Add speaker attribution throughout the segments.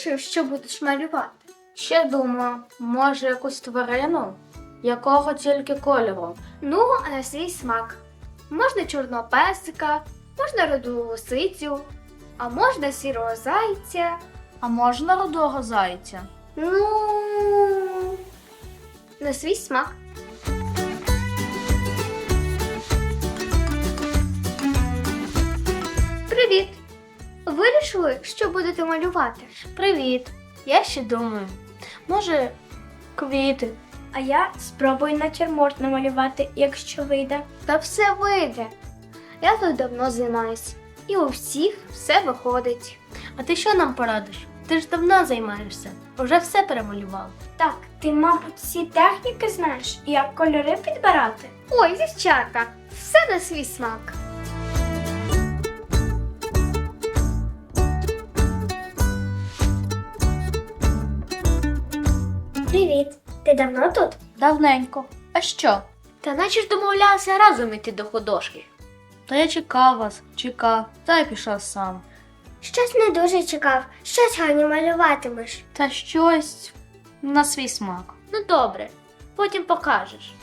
Speaker 1: вирішив, що будеш малювати?
Speaker 2: Ще думаю, може якусь тварину? Якого тільки кольору?
Speaker 1: Ну, а на свій смак. Можна чорного песика, можна руду лисицю, а можна сірого зайця.
Speaker 2: А можна рудого зайця?
Speaker 1: Ну, на свій смак. Привіт! Вирішили, що будете малювати?
Speaker 2: Привіт. Я ще думаю. Може, квіти?
Speaker 3: А я спробую натюрморт намалювати, якщо вийде.
Speaker 1: Та все вийде. Я тут давно займаюсь. І у всіх все виходить.
Speaker 2: А ти що нам порадиш? Ти ж давно займаєшся. Уже все перемалював.
Speaker 3: Так, ти, мабуть, всі техніки знаєш, як кольори підбирати?
Speaker 1: Ой, дівчата, все на свій смак.
Speaker 3: Привіт! Ти давно тут?
Speaker 2: Давненько. А що?
Speaker 1: Та наче ж домовлялися разом іти до художки.
Speaker 2: Та я чекав вас, чекав, та й пішов сам.
Speaker 3: Щось не дуже чекав. Щось гарні малюватимеш.
Speaker 2: Та щось на свій смак.
Speaker 1: Ну добре, потім покажеш.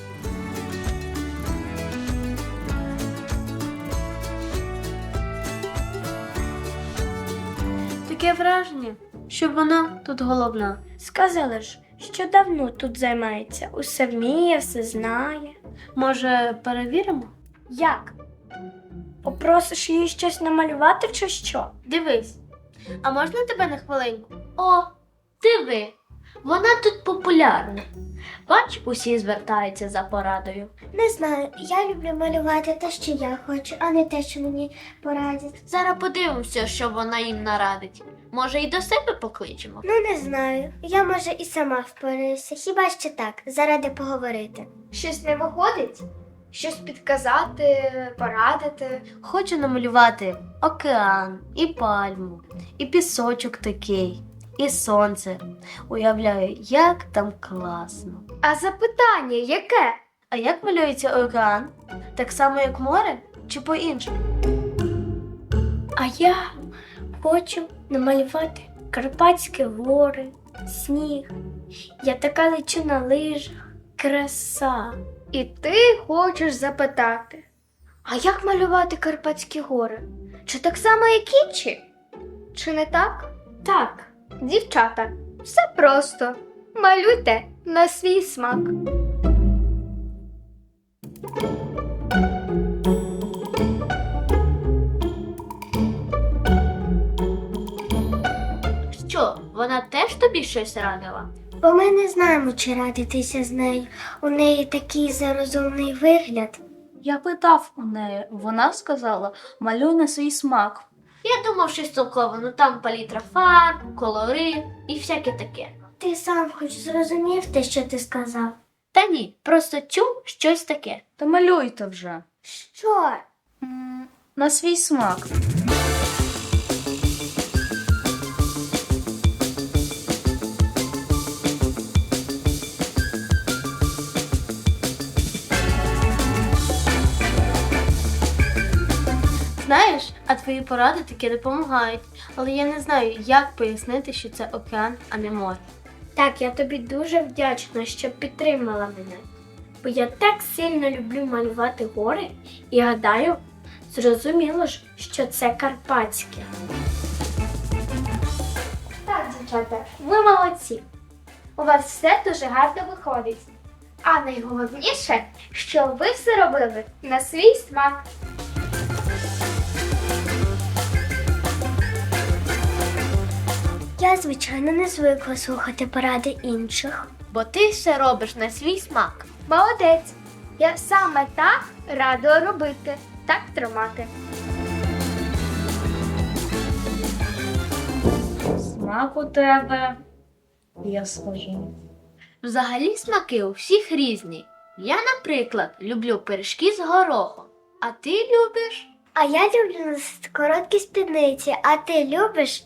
Speaker 2: Таке враження, що вона тут головна.
Speaker 3: Сказали ж, що давно тут займається. Усе вміє, все знає.
Speaker 2: Може, перевіримо?
Speaker 3: Як? Попросиш її щось намалювати чи що?
Speaker 1: Дивись, а можна тебе на хвилинку? О, диви, вона тут популярна. Бач, усі звертаються за порадою.
Speaker 3: Не знаю, я люблю малювати те, що я хочу, а не те, що мені порадять.
Speaker 1: Зараз подивимося, що вона їм нарадить. Може, і до себе покличемо?
Speaker 3: Ну, не знаю. Я, може, і сама впораюся. Хіба що так, заради поговорити.
Speaker 1: Щось не виходить? Щось підказати, порадити.
Speaker 2: Хочу намалювати океан, і пальму, і пісочок такий, і сонце. Уявляю, як там класно.
Speaker 1: А запитання яке?
Speaker 2: А як малюється океан? Так само, як море? Чи по-іншому?
Speaker 3: А я хочу намалювати Карпатські гори, сніг. Я така лечу на лижах. Краса.
Speaker 1: І ти хочеш запитати, а як малювати Карпатські гори? Чи так само, як інші? Чи не так?
Speaker 3: Так,
Speaker 1: Дівчата, все просто. Малюйте на свій смак. Що, вона теж тобі щось радила?
Speaker 3: бо ми не знаємо, чи радитися з нею. У неї такий зарозумний вигляд.
Speaker 2: Я питав у неї, вона сказала, малюй на свій смак.
Speaker 1: Я думав, щось толково, ну там палітра фарб, кольори і всяке таке.
Speaker 3: Ти сам хоч зрозумів те, що ти сказав?
Speaker 1: Та ні, просто чув щось таке.
Speaker 2: Та малюйте вже.
Speaker 3: Що?
Speaker 2: На свій смак. Знаєш, а твої поради таки допомагають, але я не знаю, як пояснити, що це океан, а не море.
Speaker 3: Так, я тобі дуже вдячна, що підтримала мене. Бо я так сильно люблю малювати гори і гадаю, зрозуміло ж, що це Карпатське.
Speaker 1: Так, дівчата, ви молодці. У вас все дуже гарно виходить. А найголовніше, що ви все робили на свій смак.
Speaker 3: Я, звичайно, не звикла слухати поради інших.
Speaker 1: Бо ти все робиш на свій смак. Молодець. Я саме так радила робити. Так тримати.
Speaker 2: Смак у тебе, я скажу.
Speaker 1: Взагалі смаки у всіх різні. Я, наприклад, люблю пиріжки з горохом. А ти любиш?
Speaker 3: А я люблю носити короткі спідниці, а ти любиш?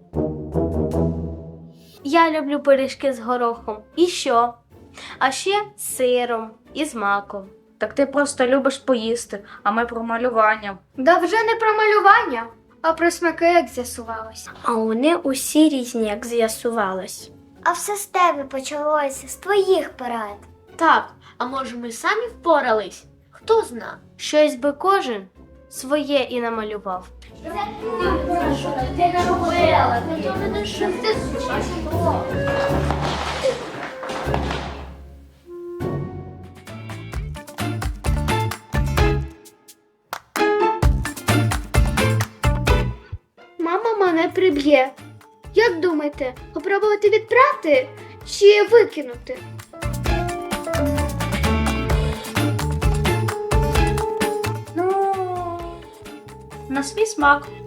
Speaker 2: Я люблю пиріжки з горохом. І що? А ще з сиром і з маком. Так ти просто любиш поїсти, а ми про малювання.
Speaker 1: Да вже не про малювання, А про смаки як з'ясувалось?
Speaker 3: А вони усі різні, як з'ясувалось.
Speaker 4: А все з тебе почалося, з твоїх порад.
Speaker 2: Так, а може ми самі впорались? Хто зна? Щось би кожен своє і намалював.
Speaker 1: Мама мене приб'є. Як думаєте, попробувати відпрати чи викинути?
Speaker 2: На свій смак.